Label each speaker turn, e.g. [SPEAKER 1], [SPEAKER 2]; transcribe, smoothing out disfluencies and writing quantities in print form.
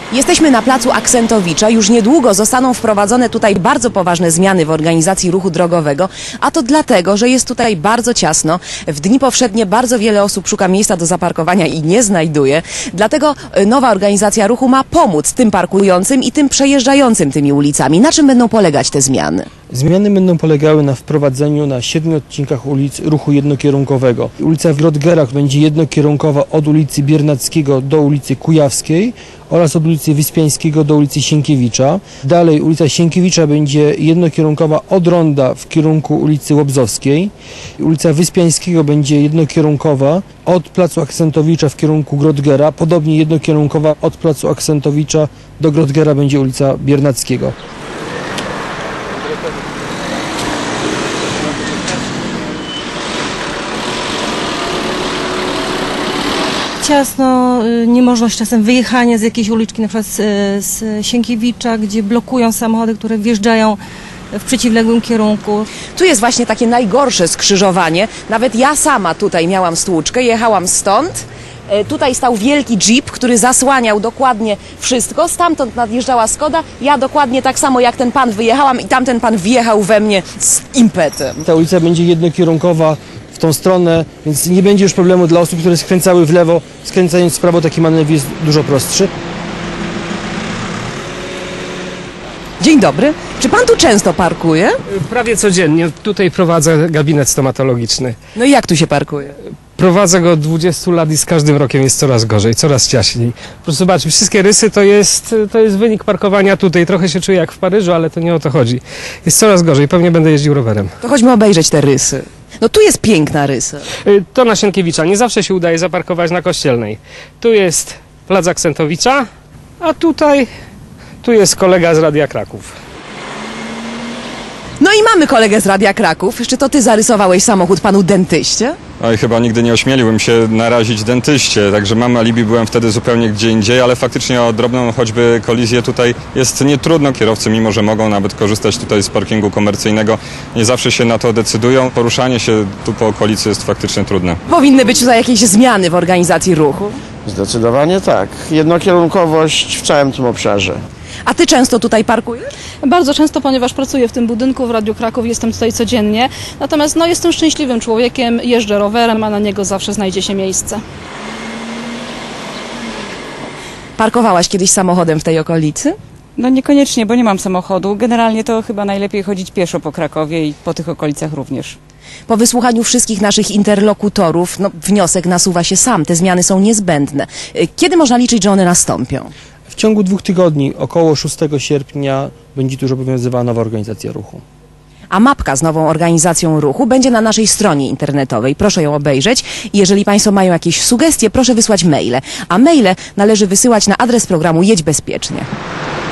[SPEAKER 1] Jesteśmy na placu Aksentowicza. Już niedługo zostaną wprowadzone tutaj bardzo poważne zmiany w organizacji ruchu drogowego, a to dlatego, że jest tutaj bardzo ciasno. W dni powszednie bardzo wiele osób szuka miejsca do zaparkowania i nie znajduje. Dlatego nowa organizacja ruchu ma pomóc tym parkującym i tym przejeżdżającym tymi ulicami. Na czym będą polegać te zmiany?
[SPEAKER 2] Zmiany będą polegały na wprowadzeniu na 7 odcinkach ulic ruchu jednokierunkowego. Ulica w Grodgerach będzie jednokierunkowa od ulicy Biernackiego do ulicy Kujawskiej oraz od ulicy Wyspiańskiego do ulicy Sienkiewicza. Dalej ulica Sienkiewicza będzie jednokierunkowa od ronda w kierunku ulicy Łobzowskiej. Ulica Wyspiańskiego będzie jednokierunkowa od placu Aksentowicza w kierunku Grodgera. Podobnie jednokierunkowa od placu Aksentowicza do Grodgera będzie ulica Biernackiego.
[SPEAKER 3] Ciasno, niemożność czasem wyjechania z jakiejś uliczki, na przykład z Sienkiewicza, gdzie blokują samochody, które wjeżdżają w przeciwległym kierunku.
[SPEAKER 1] Tu jest właśnie takie najgorsze skrzyżowanie. Nawet ja sama tutaj miałam stłuczkę, jechałam stąd. Tutaj stał wielki jeep, który zasłaniał dokładnie wszystko. Stamtąd nadjeżdżała Skoda. Ja dokładnie tak samo jak ten pan wyjechałam i tamten pan wjechał we mnie z impetem.
[SPEAKER 2] Ta ulica będzie jednokierunkowa w tą stronę, więc nie będzie już problemu dla osób, które skręcały w lewo. Skręcając w prawo taki manewr jest dużo prostszy.
[SPEAKER 1] Dzień dobry. Czy pan tu często parkuje?
[SPEAKER 4] Prawie codziennie. Tutaj prowadzę gabinet stomatologiczny.
[SPEAKER 1] No i jak tu się parkuje?
[SPEAKER 4] Prowadzę go od 20 lat i z każdym rokiem jest coraz gorzej, coraz ciaśniej. Proszę zobaczyć, wszystkie rysy to jest wynik parkowania tutaj. Trochę się czuję jak w Paryżu, ale to nie o to chodzi. Jest coraz gorzej, pewnie będę jeździł rowerem.
[SPEAKER 1] To chodźmy obejrzeć te rysy. No tu jest piękna rysa.
[SPEAKER 4] To na Sienkiewicza. Nie zawsze się udaje zaparkować na Kościelnej. Tu jest plac Aksentowicza, a tu jest kolega z Radia Kraków.
[SPEAKER 1] No i mamy kolegę z Radia Kraków. Czy to ty zarysowałeś samochód panu dentyście?
[SPEAKER 5] Oj, chyba nigdy nie ośmieliłbym się narazić dentyście, także mam alibi, byłem wtedy zupełnie gdzie indziej, ale faktycznie o drobną choćby kolizję tutaj jest nietrudno. Kierowcy, mimo że mogą nawet korzystać tutaj z parkingu komercyjnego, nie zawsze się na to decydują. Poruszanie się tu po okolicy jest faktycznie trudne.
[SPEAKER 1] Powinny być tutaj jakieś zmiany w organizacji ruchu.
[SPEAKER 6] Zdecydowanie tak. Jednokierunkowość w całym tym obszarze.
[SPEAKER 1] A ty często tutaj parkujesz?
[SPEAKER 7] Bardzo często, ponieważ pracuję w tym budynku w Radiu Kraków, jestem tutaj codziennie. Natomiast jestem szczęśliwym człowiekiem, jeżdżę rowerem, a na niego zawsze znajdzie się miejsce.
[SPEAKER 1] Parkowałaś kiedyś samochodem w tej okolicy?
[SPEAKER 8] No niekoniecznie, bo nie mam samochodu. Generalnie to chyba najlepiej chodzić pieszo po Krakowie i po tych okolicach również.
[SPEAKER 1] Po wysłuchaniu wszystkich naszych interlokutorów, wniosek nasuwa się sam. Te zmiany są niezbędne. Kiedy można liczyć, że one nastąpią?
[SPEAKER 2] W ciągu 2 tygodni, około 6 sierpnia, będzie tu już obowiązywała nowa organizacja ruchu.
[SPEAKER 1] A mapka z nową organizacją ruchu będzie na naszej stronie internetowej. Proszę ją obejrzeć i jeżeli państwo mają jakieś sugestie, proszę wysłać maile. A maile należy wysyłać na adres programu Jedź Bezpiecznie.